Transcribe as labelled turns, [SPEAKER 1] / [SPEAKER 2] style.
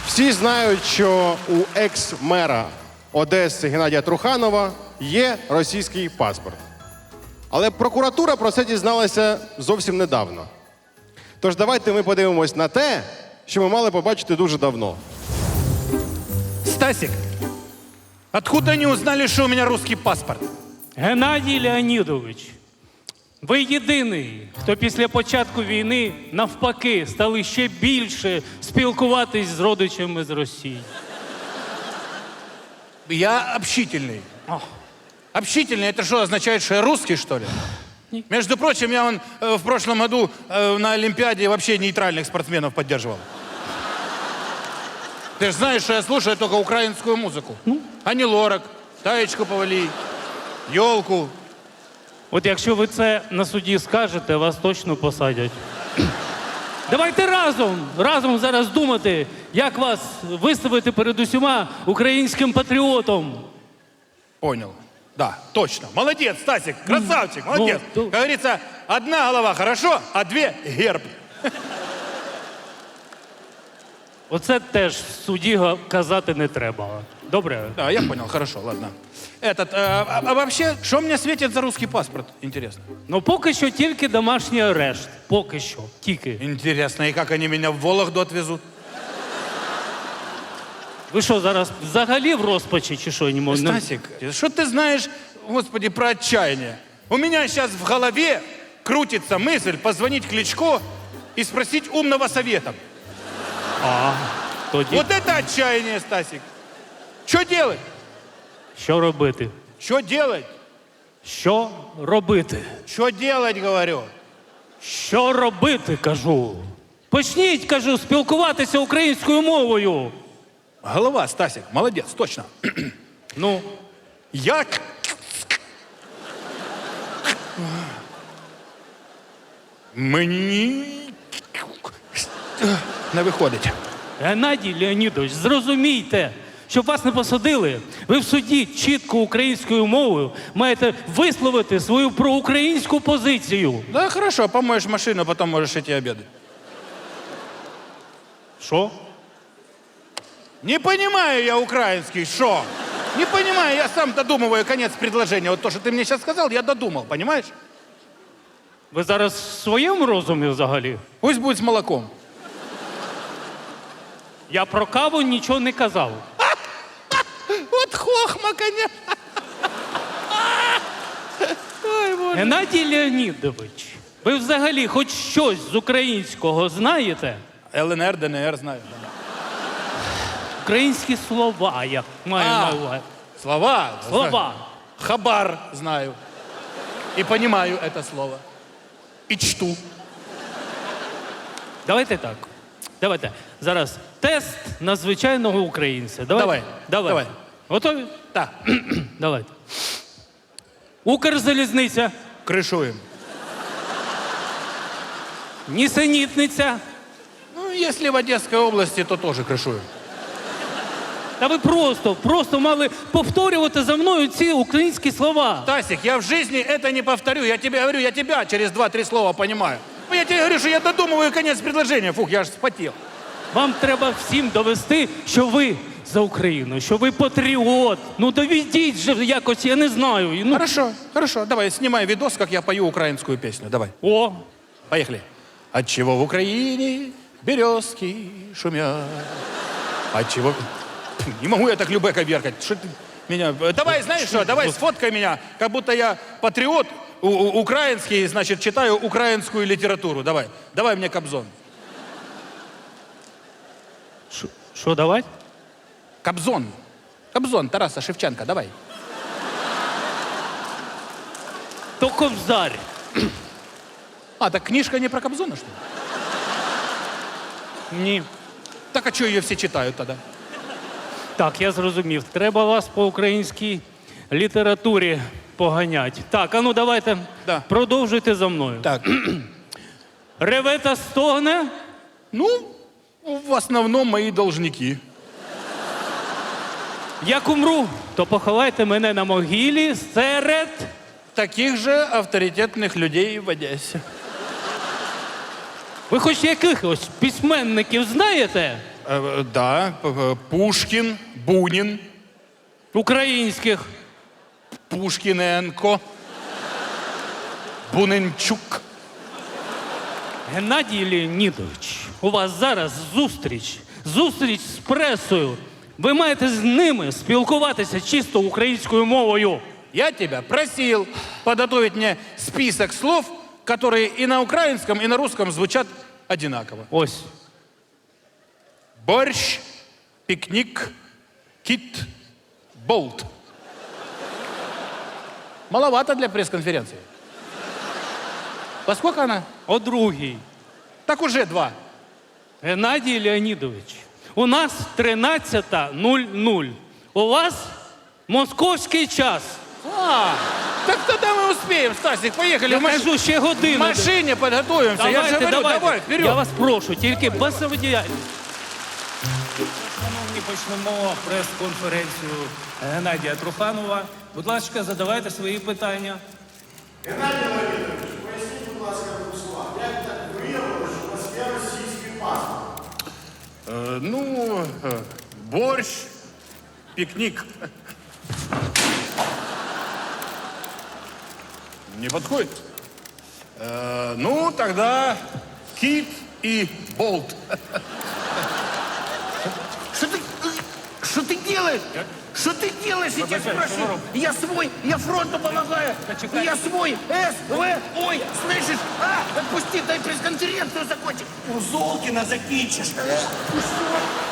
[SPEAKER 1] Всі знають, що у екс-мера Одеси Геннадія Труханова є російський паспорт. Але прокуратура про це дізналася зовсім недавно. Тож давайте ми подивимось на те, що ми мали побачити дуже давно.
[SPEAKER 2] Стасик, откуда они узнали, что у меня русский паспорт?
[SPEAKER 3] Геннадій Леонідович, ви єдиний, хто після початку війни навпаки стали ще більше спілкуватись з родичами з Росії.
[SPEAKER 2] Я общительный. Общительный, это что, означает, что я русский, что ли?
[SPEAKER 3] Нет.
[SPEAKER 2] Между прочим, я в прошлом году на Олимпиаде вообще нейтральных спортсменов поддерживал. Ты же знаешь, что я слушаю только украинскую музыку. Ани Лорак, Таечку Повалий, Ёлку.
[SPEAKER 3] От якщо ви це на суді скажете, вас точно посадять. Давайте разом зараз думати, як вас виставити перед усіма українським патріотом.
[SPEAKER 2] Понял. Да, точно. Молодец, Стасик, красавчик, молодец.
[SPEAKER 3] Ну,
[SPEAKER 2] Как говорится, одна голова хорошо, а две герб.
[SPEAKER 3] Оце теж в суді казати не треба. Добре?
[SPEAKER 2] Да, я понял, хорошо, ладно. А вообще, что мне светит за русский паспорт, интересно?
[SPEAKER 3] Ну поки що тільки домашній арешт. Поки що. Тільки.
[SPEAKER 2] Интересно, и как они меня в Вологду отвезут?
[SPEAKER 3] Ви що, зараз взагалі в розпачі чи що? Не можу.
[SPEAKER 2] Стасик, что ты знаешь, господи, про отчаяние? У меня сейчас в голове крутится мысль позвонить Кличко и спросить умного совета.
[SPEAKER 3] Тоді
[SPEAKER 2] Вот это отчаяние, Стасик. Что делать?
[SPEAKER 3] що робити?
[SPEAKER 2] Что делать?
[SPEAKER 3] Що робити?
[SPEAKER 2] Что делать, говорю?
[SPEAKER 3] Що робити, кажу. Почніть, кажу, спілкуватися українською мовою.
[SPEAKER 2] Голова, Стасик, молодец, точно.
[SPEAKER 3] Ну,
[SPEAKER 2] Я... Мені... Не виходить.
[SPEAKER 3] Геннадій Леонідович, зрозумійте, щоб вас не посадили, ви в суді чітко українською мовою маєте висловити свою проукраїнську позицію.
[SPEAKER 2] Да, хорошо, помоешь машину, потом можешь идти обедать.
[SPEAKER 3] Що?
[SPEAKER 2] Не понимаю я украинский, шо? Не понимаю, я сам додумываю конец предложения. Вот то, что ты мне сейчас сказал, я додумал, понимаешь?
[SPEAKER 3] Ви зараз в своєму розумі взагалі?
[SPEAKER 2] Пусть будет с молоком.
[SPEAKER 3] Я про каву нічого не казав.
[SPEAKER 2] Вот хохма, конечно. Ой, Боже.
[SPEAKER 3] Геннадій Леонідович, ви взагалі хоч щось з українського знаєте?
[SPEAKER 2] ЛНР, ДНР знаю.
[SPEAKER 3] Українські слова, я маю на увазі.
[SPEAKER 2] Слова.
[SPEAKER 3] Слова.
[SPEAKER 2] Хабар знаю. И понимаю это слово. И чту.
[SPEAKER 3] Давайте так. Давайте. Зараз тест на звичайного українця.
[SPEAKER 2] Давай. Давай.
[SPEAKER 3] Готові?
[SPEAKER 2] Так,
[SPEAKER 3] Давайте. Укрзалізниця,
[SPEAKER 2] крышуем.
[SPEAKER 3] нісенітниця.
[SPEAKER 2] Ну, если в Одесской области, то тоже крышуем.
[SPEAKER 3] Та ви просто мали повторювати за мною ці українські слова.
[SPEAKER 2] Тасик, я в жизни это не повторю. Я тебе говорю, я тебя через 2-3 слова понимаю. Ну, я тебе говорю, что я додумываю конец предложения. Фух, я аж вспотел.
[SPEAKER 3] Вам треба всім довести, що ви за Україну, що ви патріот. Ну доведіть же якось, я не знаю. Ну,
[SPEAKER 2] Хорошо, хорошо. Давай, снимай видос, как я пою украинскую песню. Давай,
[SPEAKER 3] О,
[SPEAKER 2] поехали. Отчего в Украине березки шумят? Отчего... Не могу я так любэ коверкать. Что ты меня... Давай, знаешь что, давай сфоткай меня, как будто я патриот украинский, значит, читаю украинскую литературу. Давай, давай мне Кобзон.
[SPEAKER 3] що давати?
[SPEAKER 2] Кобзон. Кобзон Тараса Шевченка, давай.
[SPEAKER 3] То ковзар.
[SPEAKER 2] А, так книжка не про Кобзона, что ли?
[SPEAKER 3] Ні.
[SPEAKER 2] Так а что ее все читают тогда?
[SPEAKER 3] Так, я зрозумів. Треба вас по українській літературі поганять. Так, а ну давайте
[SPEAKER 2] Да.
[SPEAKER 3] продовжуйте за мною.
[SPEAKER 2] Так,
[SPEAKER 3] Реве та стогне,
[SPEAKER 2] ну, в основном мои должники.
[SPEAKER 3] як умру, то поховайте мене на могилі серед...
[SPEAKER 2] Таких же авторитетных людей в Одессе.
[SPEAKER 3] Ви хоч якихось письменників знаєте?
[SPEAKER 2] Да, Пушкін, Бунін,
[SPEAKER 3] Українських.
[SPEAKER 2] Пушкіненко, Буненчук.
[SPEAKER 3] Геннадій Леонідович, у вас зараз зустріч з пресою. Ви маєте з ними спілкуватися чисто українською мовою.
[SPEAKER 2] Я тебя просил подготовить мне список слов, которые и на украинском, и на русском звучат одинаково.
[SPEAKER 3] Ось.
[SPEAKER 2] Борщ, пикник, кит, болт. Маловато для пресс-конференции. Во сколько она?
[SPEAKER 3] О другій.
[SPEAKER 2] Так уже 2.
[SPEAKER 3] Геннадій Леонідович, у нас 13:00. У вас московський час.
[SPEAKER 2] Так тогда мы успеем, Стасик, поехали.
[SPEAKER 3] Я
[SPEAKER 2] в
[SPEAKER 3] кажу, ще
[SPEAKER 2] в
[SPEAKER 3] годину.
[SPEAKER 2] машине подготовимся. Я же
[SPEAKER 3] Давайте,
[SPEAKER 2] говорю,
[SPEAKER 3] давайте.
[SPEAKER 2] давай, вперед.
[SPEAKER 3] Я вас прошу, тільки без самодіяльності.
[SPEAKER 4] Шановні, почнемо прес-конференцію Геннадія Труханова. Будь ласка, задавайте свої питання.
[SPEAKER 2] Борщ, пикник. Не подходит? Тогда кит и болт.
[SPEAKER 5] Что ты делаешь? Что ты делаешь, я тебя спрашиваю? Я свой, я фронту помогаю. Я свой, ой, слышишь? Отпусти, дай пресс-конференцию закончить. У Золкина закинчишь.